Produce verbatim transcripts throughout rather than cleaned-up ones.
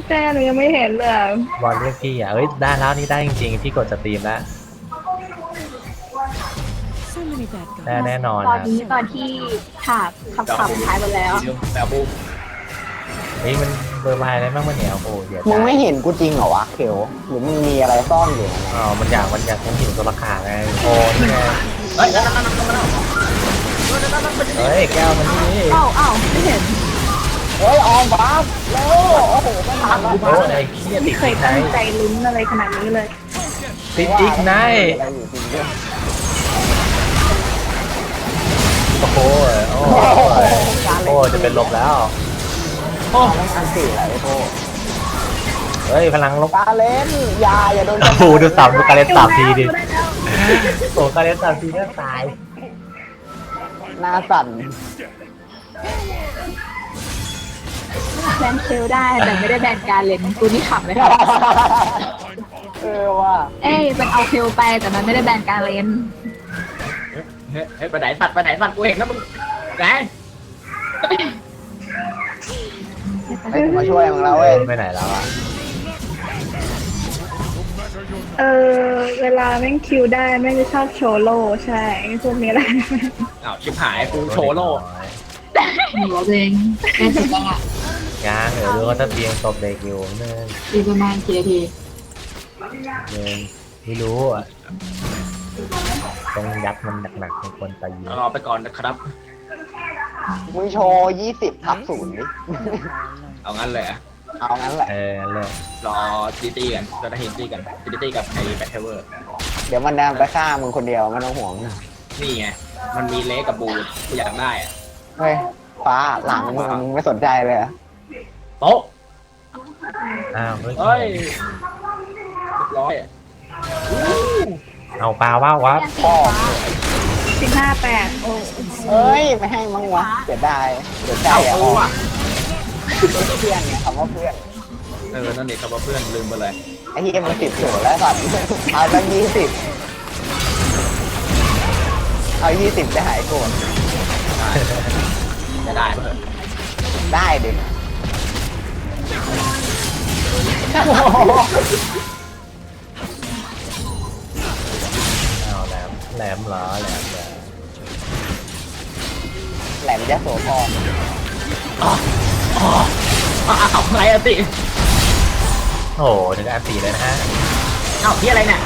แจ้หนูยังไม่เห็นเลยบอลเรียกพี่อ่ะเอ้ยได้แล้วนี่ได้จริงๆพี่กดสตรีมแล้วได้แน่นอนตอนครับนี้ตอนที่ฉากขับขับท้ายไปแล้วแบบบูมเฮ้ยมันเบอร์บายอะไรบ้างมันเนี่ยโอ้โหเดี๋ยวมึงไม่เห็นกูจริงเหรอวะเขียวหรือมึงมีอะไรซ่อนอยู่นะอ๋อมันอยากมันอยากฉันหิวตัวราคาไงโอ้นี่ไงเฮ้ยนั่นนั่นนั่นนั่นนั่นเฮ้ยแก้วมันนี่อ้าวอ้าวไม่เห็นเฮ้ยออมบัฟเร็วโอ้โหไม่ทันโอ้ไอ้เหี้ยติไม่ดเคอียกไนตั้งใจลุ้นอะไรขนาดนี้เลยติดอีกไนอะไรอยู่จริงด้วยโอ้โหโอ้โหโอ้จะเป็นลมแล้วโอ้ไม่ทันสี่อะไรโอ้เฮ้ยพลังลบกาเลนยาอย่าโดนโอ้โหดูสับดูการเล่นสับทีดิโอ้การเล่นสับทีเนี่ยตายหน้าสั่นแบนเชลได้แต่ไม่ได้แบนการเล่นกูนี่ขำเลยเออว่ะเอ้ยมันเอาเชลไปแต่มันไม่ได้แบนการเล่นเฮ้ยไปไหนสัตว์ไปไหนสัตว์กูเห็นนะมึงไหนเฮ้ยมาช่วยมึงแล้วเว้ยไปไหนแล้วอ่ะเออเวลาแม่งคิวได้แม่งจะชอบโชว์โล่ใช่พวกนี้แหละอ้าวชิบหายกูโชว์โล่หนูเองแม่สุดจังอ่ะยางเดี๋ยวดูว่าถ้าเบียงตบเด็กอยู่เนื่องดีประมาณกี่นาทีเนื่องไม่รู้อ่ะต้องยัดมันหนักๆในคนตายรอไปก่อนนะครับมึงโชว์ยี่สิบทับศูนย์ดิเอางั้นเลยอะเอางั้นแหละเออเลยรอตีตีกันจะได้เห็นตีกันตีตีกับไอ้แบทเทเวอร์เดี๋ยวมันเดินไปฆ่ามึงคนเดียวไม่ต้องห่วงนี่ไงมันมีเล็กกับบูกูอยากได้อะเฮ้ยฟ้าหลังมึงมึงไม่สนใจเลยเหรอโต๊ะอ้าวเฮ้ยเฮ้ยเรียบร้อยเอาปลาว่าวะพ่อสิบห้าแปดโอ้เอ้ยไม่ให้มั้งวะเสียดายเสียใจเอ้าอ่ะเออว่ะเพื่อนไงคำว่าเพื่อนเออนั่นเด็กกับเพื่อนลืมไปเลยไอ้ที่มันสิบศูนย์แล้วสัตว์เอาตั้งยี่สิบเอายี่สิบจะหายโกรธจะได้เพื่อนได้ดิเอาแหลมแหลมเหรอแหลมเหรอแหลมยะโสธรอ๋ออ๋ออ้าวอะไรอะติโอ้โหถึงอันตีเลยนะฮะเอ้าที่อะไรเนี่ย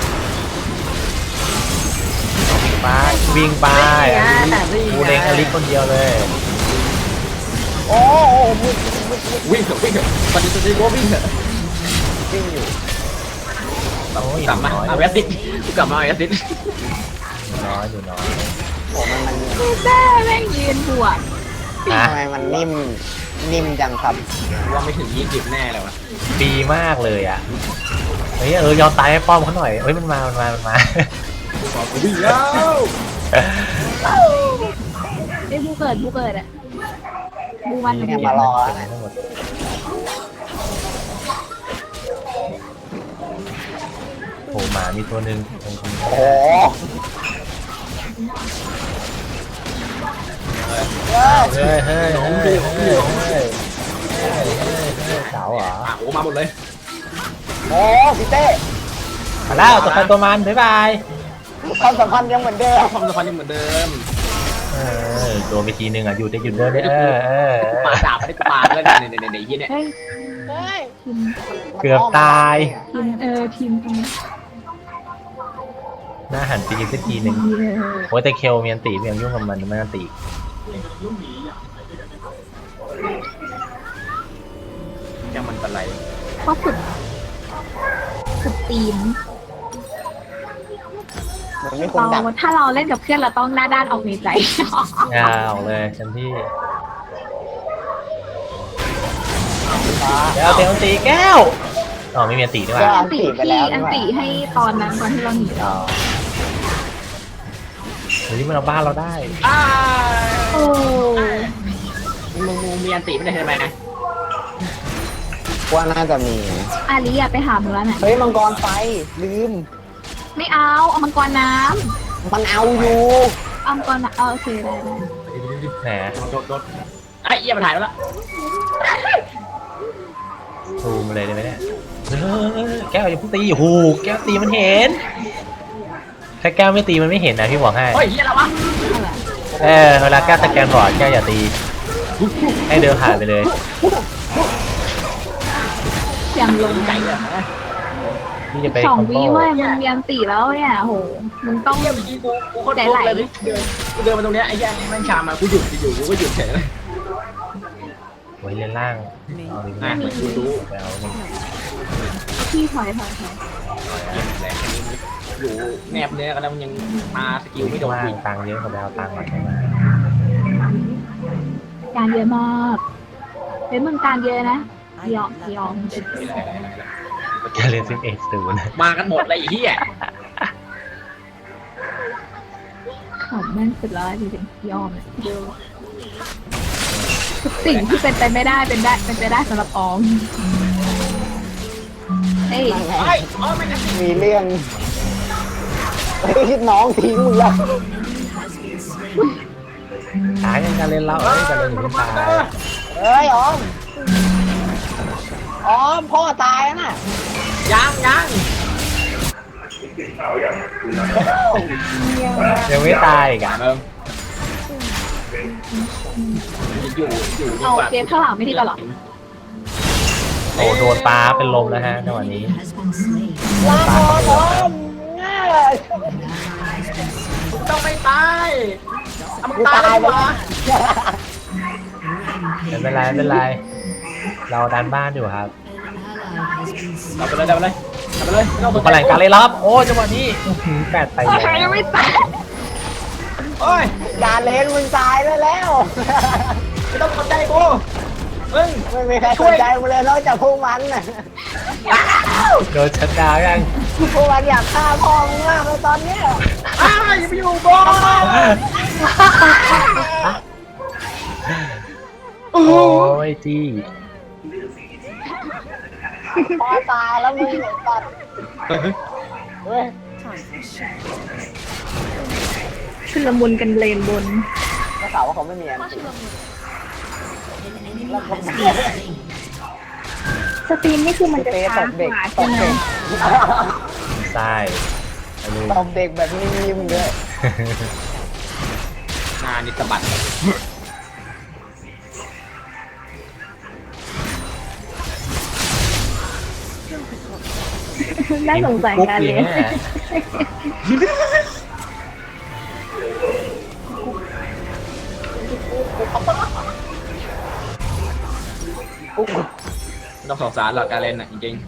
ปลาวิ่งไปกูเล็งอลิสคนเดียวเลยโอ้โหมึงมึงมึงวิ่งเถอะวิ่งเถอะตอนนี้ตอนนี้ว่าวิ่งเถอะวิ่งอยู่โอ้ยกลับมาน้อยเอาแอสซิดกูกลับมาเอาแอสซิดน้อยอยู่น้อยโอ้มันมันแม่แม่งยืนบวกฮะทำไมมันนิ่มนิ่มจังครับว่าไม่ถึงยี่สิบแน่เลยวะปีมากเลยอ่ะเฮ้ยเออยอมตายให้ป้อมเขาหน่อยเฮ้ยมันมามันมามันมาบอกกูวิ่งแล้วไอ้บูเกิดบูเกิดอ่ะบูมันเนี่ยมารอแล้วนะทั้งหมดโอ้หมามีตัวหนึ่งตรงนี้โอ้โหเฮ้ยเฮ้ยเฮ้ยเฮ้ยเฮ้ยเฮ้ยเสาเหรออ่ะโอ้มาหมดเลยโอ้พี่เต้มาแล้วตัวใครตัวมันบ๊ายบายความสัมพันธ์ยังเหมือนเดิมความสัมพันธ์ยังเหมือนเดิมเออโดนไปทีนึงอ่ะหยุดได้หยุดเดินได้เออเออปาดาบให้ปาดเลยเนี่ยเนี่ยเนี่ยเนี่ยยี่เนี่ยเฮ้ยเฮ้ยทีมเกือบตายทีมเออทีมตรงนี้หน้าหันไปยิงสักทีหนึ่งดีเลยโอ้ยแต่เคลเมียนตีเมียนยุ่งกับมันไม่อันตียังมันเป็นไรเพราะฝึกฝึกทีมเหมือนมีคนเราดักถ้าเราเล่นกับเพื่อนเราต้องหน้าด้านออกในใจงาออกเลยฉันที่ฟ้าเดี๋ยวเตียงตีแก้วอ๋อไม่มีอันตีด้วยว่ะอันติที่อันติให้ตอนนั้นตอนที่เราหนีอ๋อเฮ้ยมันเอาบ้านเราได้อ้าโอ้มึงมึงมีอันติไม่ได้ใช่ไหมว่าน่าจะมีอาลีอะไปหาหมูแล้วน่ะเฮ้ยมังกรไฟลืมไม่เอาเอามังกรน้มันเอาอยู่ำเอามังกรน้ำเอาโอเคได้ได้แหมโดดโดดไอ้เอี้ยมาถ่ายแล้วล่ะซูมเลยได้ไหมเนี่ยเออแก้วอย่าเพิ่งตีโอ้โหแก้วตีมันเห็นถ้าแก้วไม่ตีมันไม่เห็นนะพี่บอกให้เฮ้ยเฮียอะไรวะเออเวลาแก้วสแกนบอร์ดแก้วอย่าตีให้เดินผ่านไปเลยเสียงลงไก่เลยนะนี่จะไปสองคอมโบวิเว้ยมึงเรียนตีแล้วเนี่ยโหมึงต้องเฮียเมื่อกี้กูกูโคตรโกงเลยเดินกูเดินมาตรงเนี้ยไอ้เฮียแม่งชามากูหยุดอยู่กูก็หยุดเฉยเลยไว้เลนล่างเอาดิอ่ะกูรู้ไปเอาหนึ่งพี่ถอยถอยถอยแหละอยู่แนบเนื้อกันแล้วมันยังมาสกิลไม่โดนว่างอีกตังค์เยอะกว่าไปเอาตังค์มาใช่ไหมการเยอะมากเฮ้ยมึงการเยอะนะยอมยอมแกเล่นซิมเอ็กซ์ศูนย์มากันหมดเลยไอ้เฮียขำแม่งสุดแล้วจริงๆยอมทุกสิ่งที่เป็นไปไม่ได้เป็นได้เป็นไปได้สำหรับออมเอ้ยเฮ้ยอ๋อไม่นะมีเรื่องเฮ้ยน้องทิ้งมึงแล้วหายังการเล่นเราเอ้ยการเล่นอยู่ที่ตายเฮ้ยออมออมพ่อตายแล้วน่ะยังยังยังไม่ตายอีกอ่ะเอิ่มอยู่อยู่ดีเอากว่าเกมข้างหลังไม่ที่ตลอดโอ้โดนปลาเป็นลมแล้วฮะจังหวะนี้ลาก่อนออมง่ายต้องไม่ตายเอามึงกูตายตายดีไปกว่าไม่เป็นไรไม่เป็นไรเราดันบ้านอยู่ครับเอาไปเลยเอาไปเลยเอาไปเลยไม่ต้องสนกำใจลังการเลยรับโอ้จังหวะนี้อื้อหือแปดไปแล้วใครยังไม่ตายโอ้ยอย่าเล่นมึงตายได้แล้วไม่ต้องสนใจกูมึงไม่มีใครสนใจมึงเลยนอกจากพวกมันน่ะโดนชัดดาวน์ยังพวกมันอยากฆ่าพ่อมึงมากเลยตอนเนี้ยอ้าวอย่าไปอยู่บอลโอ้ยจี้พ่อตายแล้วมึงตัดเฮ้ยชุลมุนกันเลนบนก็ข่าวว่าเขาไม่มีอันติแล้วเขาสตรีมนี่คือมันเตะจะตช้าบเด็กกว่าตใช่บไหมเด็กใช่ไปเลยตบเด็กแบบนิ่มๆด้วยงานนิสบัตน่าสงสัยการเรียนไม่ต้องสงสารหรอกการเล่นอ่ะจริง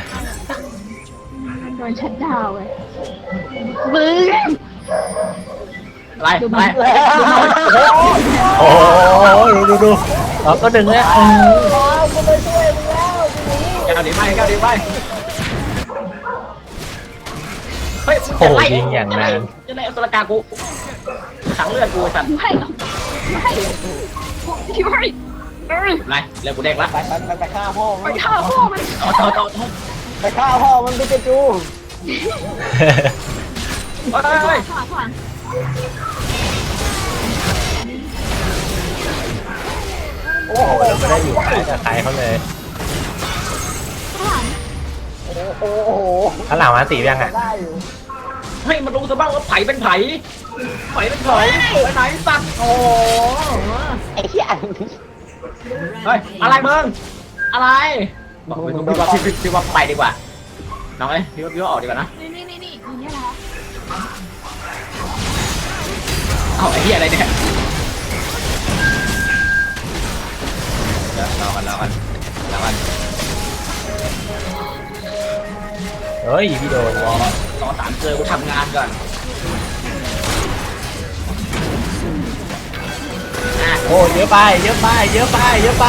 โดนชัดดาวน์เลยบึ้งๆอะไรอะไรโอ้ยดูดูดูเราก็ดึงแล้วอ๋อกูไปช่วยมึงแล้วทีนี้แก้วดีไปแก้วดีไปเฮ้ยโอ้ยิงอย่างนั้นจะไล่สุรกากูขังเลือดกูสัตว์ไม่ไม่ช่วยเอ้ยไรเลือดกูเด็กละไปไปไปไปฆ่าพ่อไปมันฆ่าพ่อมันต่อต่อต่อต่อไปฆ่าพ่อมันไปเจจูเฮ้ยเฮ้ยข้างหลังข้างหลังโอ้โอ้โหยเราไม่ได้อยู่ใครกับใครเขาเลยข้างหลังโอ้โหข้างหลังมาตียังอ่ะได้อยู่เฮ้ยมันรู้ซะบ้างว่าไผ่เป็นไผ่ไผ่เป็นไผ่ไปไหนสัตว์โอ้โหไอ้เหี้ยเฮ้ยอะไรมึงอะไรบอกมึงพี่ว่าพี่พี่ว่าไปดีกว่าน้องเอ้ยพี่ว่าพี่ว่าออกดีกว่านะนี่นี่นี่นี่อย่างเงี้ยนะเอ้าไอ้เหี้ยอะไรเนี่ยเดี๋ยวรอกันรอกันรอกันเฮ้ยพี่โดนรอรอสามเจอกูทำงานก่อนอ่ะโอ้เยอะไปเยอะไปเยอะไปเยอะไป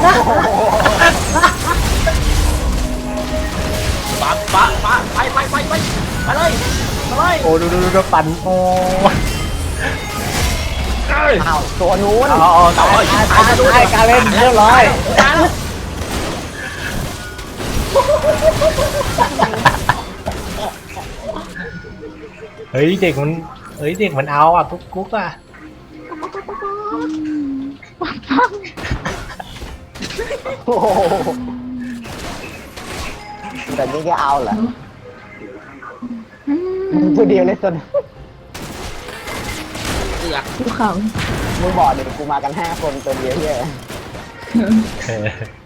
ปะปะปะไปไปไปไปไปเลยไปเลยโอ้ดูดูดูดูปั่นโอ้เอ้ยอ้าวตัวนู้นเอาเอาตายตายตายตายการเล่นเรียบร้อยตายแล้วเฮ้ยเด็กมันเฮ้ยเด็กมันเอาอ่ะกุ๊กกุ๊กอ่ะโอ้โหแต่นี่ก็เอาเหรออืมมึงตัวเดียวเลยสนเสือกภูเขามึงบอกเดี๋ยวกูมากันห้าคนตัวเดียวเฮียเออ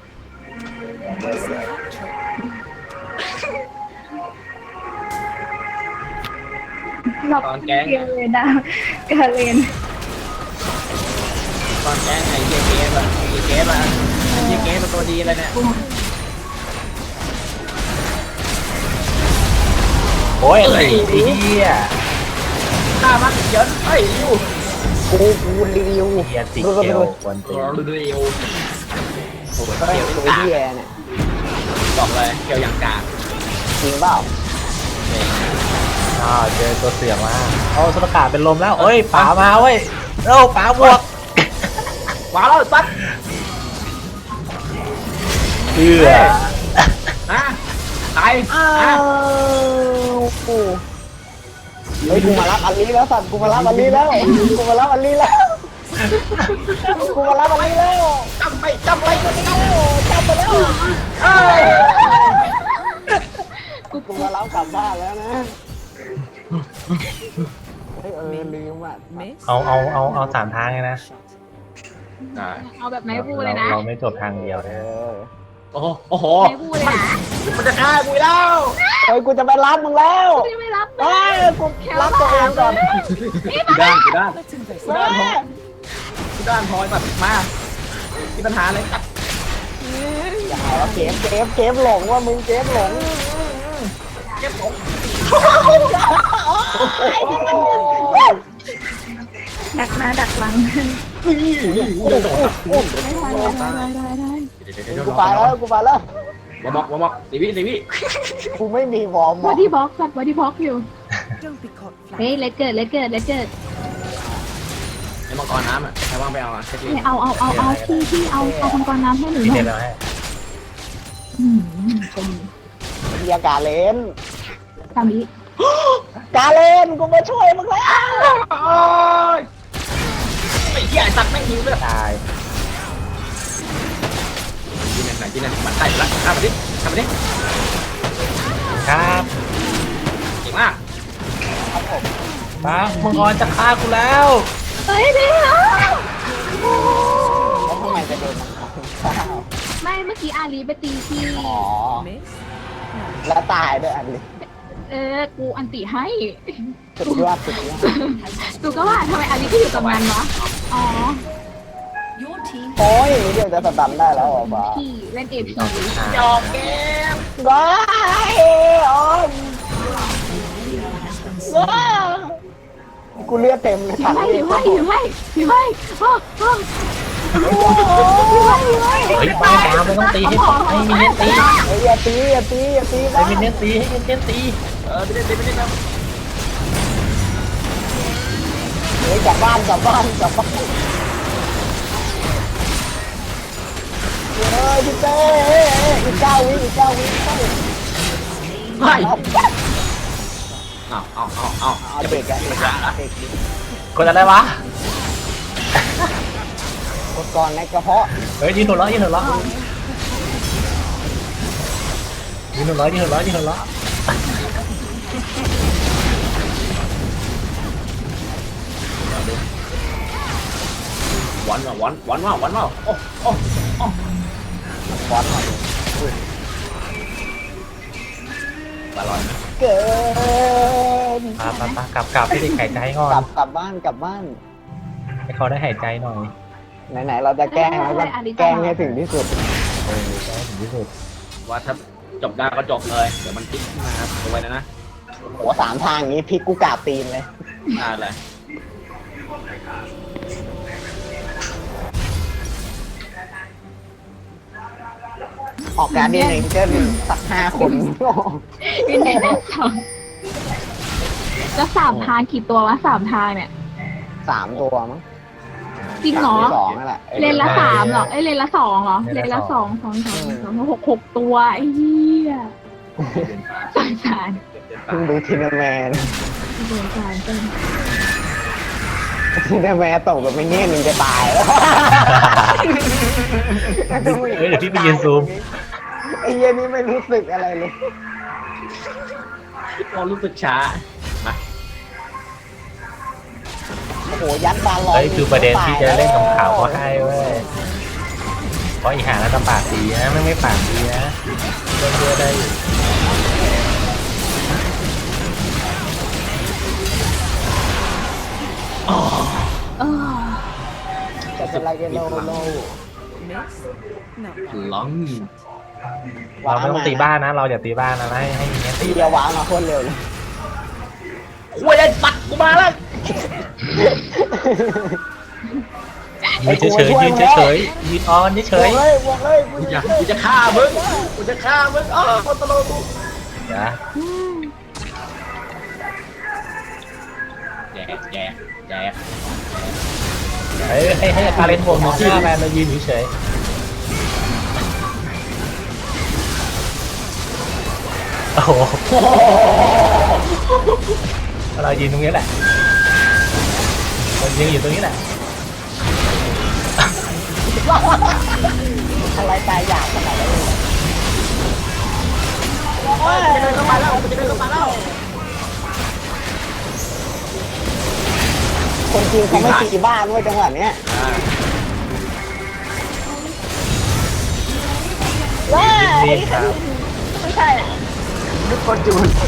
หลับเกียเลยนะกาเลนตอนแกงไอ้เหี้ยเกฟอะไอ้เกฟอะไอ้เหี้ยเกฟเป็นตัวดีเลยเนี่ยโอ้ยไอ้เหี้ยฆ่ามันเยินเฮ้ยอยู่กูกูรีวิวเหี้ยติดดูเกดูลดูวันตีรอดูดูอยู่โอ้โหเฮ้ยเกี่ยวตัวกาเฮียเนี่ยบอกเลยเกี่ยวอย่างกากจริงเปล่าอ้าวเจอตัวเสือมาโอ้สุรกาเป็นลมแล้วเอ้ยป๋ามาเว้ยเอ้าป๋าบวกว้าวแล้วสัตว์เอือนะตายอ้านะวกูเฮ้ยกูมารับอันนี้แล้วสัตว์กูมารับอันนี้แล้วกูมารับอันนี้แล้วกูมารับอันนี้แล้วจำไปจำไปกูนี่จำไปแล้วเอ้ยกูมารับกลับบ้านแล้วนะเฮ้ยเออลืมอ่ะเอาเอาเอาเอาสามทางเลยนะเอาแบบไหนพูดเลยนะเราไม่จบทางเดียวเอนะอโอ้โหโอ้โหไหนพูดเลยนะมันจะฆ่ากูแล้วเฮ้ยกูจะไปรับมึงแล้วไม่ไม่รับเฮ้ยกูรับตัวเองก่อนกูด้านกูด้านแม่กูด้านพลอยแบบมามีปัญหาอะไรตัดอย่าหาว่าเกมเกมเกมหลงว่ามึงเกมหลงเก็บของดักหน้าดักหลังนี่กูจะโดดอุ้มได้ได้ได้กูไปแล้วกูไปแล้ววอมอกวอมอกสีวิสีวิกูไม่มีวอร์มบอดี้บ็อกซ์บอดี้บ็อกซ์อยู่เฮ้ยเลเกิดเลเกิดเลเกิดไอ้มังกรน้ำอ่ะใครว่างไปเอาอ่ะเช็คลิเอาเอาเอาเอาที่ที่เอาเอามังกรน้ำให้หนูพี่หน่เด็อยดแล้วให้อืมเป็นเฮียกาเลนตามนี้กาเลนกูมาช่วยมึงแล้วไอ้เหี้ยตัดไม่หิวเลยตายที่นั่นไหนที่นั่นมันใต้แล้วข้ามไปดิข้ามไปดิครับเก่งมากป๋ามังกรจะฆ่ากูแล้วเฮ้ยเดี๋ยวแล้วทำไมจะโดนมันข้าวไม่เมื่อกี้อาลีไปตีที่อ๋อแล้วตายด้วยอันนี้เออกูอันติให้สุดยอดสุดยอดกูก็ว่าทำไมอาลีก็อยู่ตรงนั้นวะอ๋อโอ้ยเดี๋ยวจะสตันได้แล้วเหรอบ้าพี่เล่นเอพีจอกเกมว้ายออมว้าวกูเลือดเต็มเลยถืถัอง ให้นี้ถือให้ถือให้ถือให้โอ้โหโอ้โหถือให้ถือให้เฮ้ยป๋าป๋าไม่ต้องตีให้ให้มินเนี่ยนตีเฮ้ยอย่าตีอย่าตีอย่าตีให้มินเนี่ยนตีให้มินเนี่ยนตีเออไปเล่นไปเล่นนะเฮ้ยกลับบ้านกลับบ้านกลับบ้านเฮ้ยพี่เต้อีกเก้าวิอีกเก้าวิไม่เอาเอาเอาเอาเอาเด็กอะเด็กอะเด็กกดอะไรวะกดก่อนในกระเพาะเฮ้ยยืนหัวเราะยืนหัวเราะยืนหัวเราะยืนหัวเราะยืนหัวเราะวันว่ะวันวันว่าวันว่าโอ้โอ้โอ้บอลหน่อยอร่อยนะเกินปาปาปากลับกลับให้เด็กหายใจก่อกลันบกลับบ้านกลับบ้านให้เขาได้หายใจหน่อยไหนๆเราจะแกล้งแล้วก็แกล้งให้ถึงที่สุดเออได้ถึงที่สุดว่าถ้าจบได้ก็จบเลย เดี๋ยวมันพลิกขึ้นมาครับเอาไว้นะนะโหสามทางนี้พลิกกูกราบตีนเลยได้เลยออกการเดียนเองเกินสักห้าคนอยู่ในนั้นสองแล้วสามทางกี่ตัววะสามทางเนี่ยสามตัวมั้งจริงเหรอสองนั่นแหละเลนละสามเหรอ เอ้ยเลนละสองเหรอ เลนละสองสองสองสองหกหกตัวไอ้เหี้ยสงสารเพิ่งดูทีนแมนสงสารจังทีนแมนตกแบบไม่เงี้ยมึงจะตายแล้วเฮ้ยเดี๋ยวพี่ไปยืนซูมเอ้เหี้ยนี่ไม่รู้สึกอะไรเลยเรารู้สึกช้ามาโอ้โหยัดบาลลอนเฮ้ยคือประเด็นที่จะเล่นกับข่าวก็ให้เว้ยเพราะอีหาแล้วก็ปากดีนะไม่ไม่ปากดีนะเล่นเยอะได้อยู่เออจะเป็นไรกันโลโลล้องเราไม่ต้องตีบ้านนะ เราอย่าตีบ้านนะให้ให้เงี้ยตีตีเดียววางมาโคตรเร็วเลยคุยไอ้สัตว์กูมาแล้วยืนเฉยๆยืนเฉยๆยืนออนเฉบวย กเลยบวกเลยกูกูจะจะกูจะฆ่ามึงกูจะฆ่ามึงอ้าวคนตลกกูๆนะแย่แย่แย่เฮ้ยให้ให้คาเรนบวกหนึ่งที่แมนเรายืนเฉยๆโอ้โหเรายืนตรงนี้แหละเรายืนอยู่ตรงนี้แหละอะไรตายอยากขนาดนั้นเลยจะเดินเข้ามาแล้วจะเดินเข้ามาแล้วคนจริงเขาไม่ตีบ้านเว้ยจังหวะเนี้ยว้านี่ครับไม่ใช่นึกคนจูน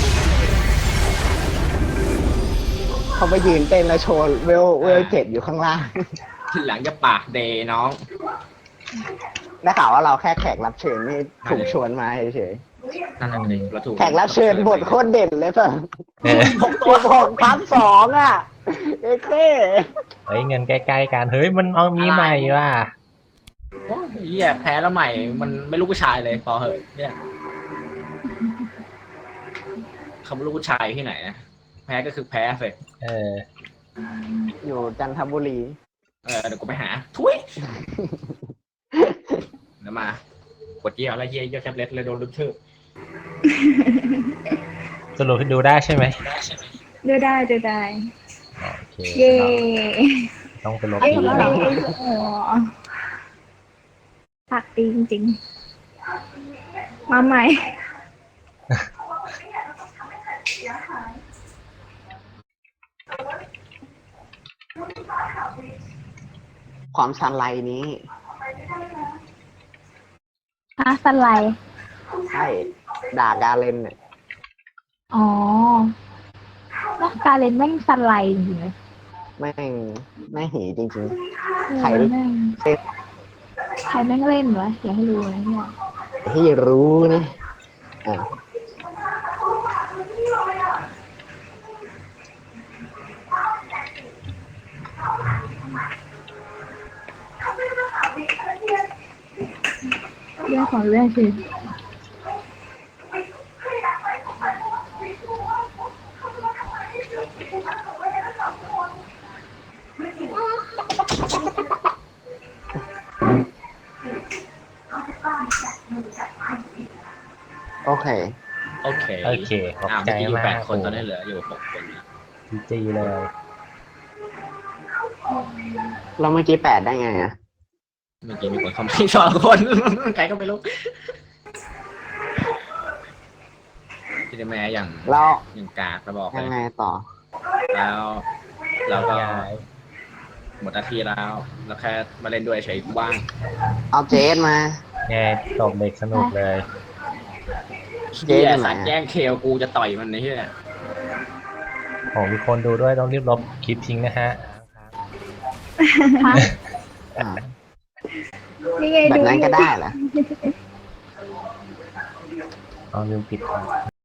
เขาไปยืนเต้นแล้วโชว์เวลเวลเจ็ดอยู่ข้างล่างทีหลังจะปากเดย์น้องได้ข่าวว่าเราแค่แขกรับเชิญนี่ถูกชวนมาเฉยนั่นน่ะเลยเราถูกๆแขกรับเชิญบทโคตรเด่นเลยป่ะเออตัวหกพันสองอ่ะเอเคเฮ้ยเงินใกล้ๆกันเฮ้ยมันเอามีใหม่ว่ะโอ้ยเหี้ยแพ้แล้วใหม่มันไม่รู้ผู้ชายเลยพอเหอะเนี่ยเขาไม่รู้ผู้ชายที่ไหนนะแพ้ก็คือแพ้สิเอออยู่จันทบุรีเออเดี๋ยวกูไปหาทุยเดี๋ยวมากดเยี่ยวแล้วเยี่ยเยี่ยวแท็บเล็ตเลยโดนลุกชื่อสรุปให้ดูได้ใช่ไหมดูได้ดูได้โอเคเย่ต้องไปลบเอ้ยดูเราโอ้ปากดีจริงๆ มาใหม่ความชันไลนี้ฮะสไลด์ใช่ด่ากาเลนเนี่ยอ๋อแล้วการเล่นแม่งสไลด์จริงๆเลยแม่งแม่งหีจริงเออใครแม่งๆเป็นใครแม่งเล่นวะอยากให้รู้นะเนี่ยที่รู้นะอ่ะเรื่องของเรื่องคือโอเคโอเคโอเคขอบอ้าวใจเมื่อกี้อยู่มาแปกดคนตอนนี้เหลืออยู่หกคนดีจีเลยเราเมื่อกี้แปดได้ไงอ่ะเมื่อกี้มีคนคอมเมนต์สองคน ใครก็ไม่รู้ที่จะแม่อย่างแล้วอย่างกากระบอกเลยังยไงต่อแล้วเราก็ย้ายหมดหน้าที่แล้วแล้วแค่มาเล่นด้วยเฉยว่างเอาเจสมาแง่ตบเด็กสนุกเลยเจ๊เหี้ยอยู่ไหนสัตว์แย่งเคลกูจะต่อยมันนี่เหี้ยโอ้มีคนดูด้วยต้องรีบลบคลิปทิ้งนะฮะฮะอ่านี่ไงแบบดูนั้นก็ได้เหรอเอาลืมปิดก่อน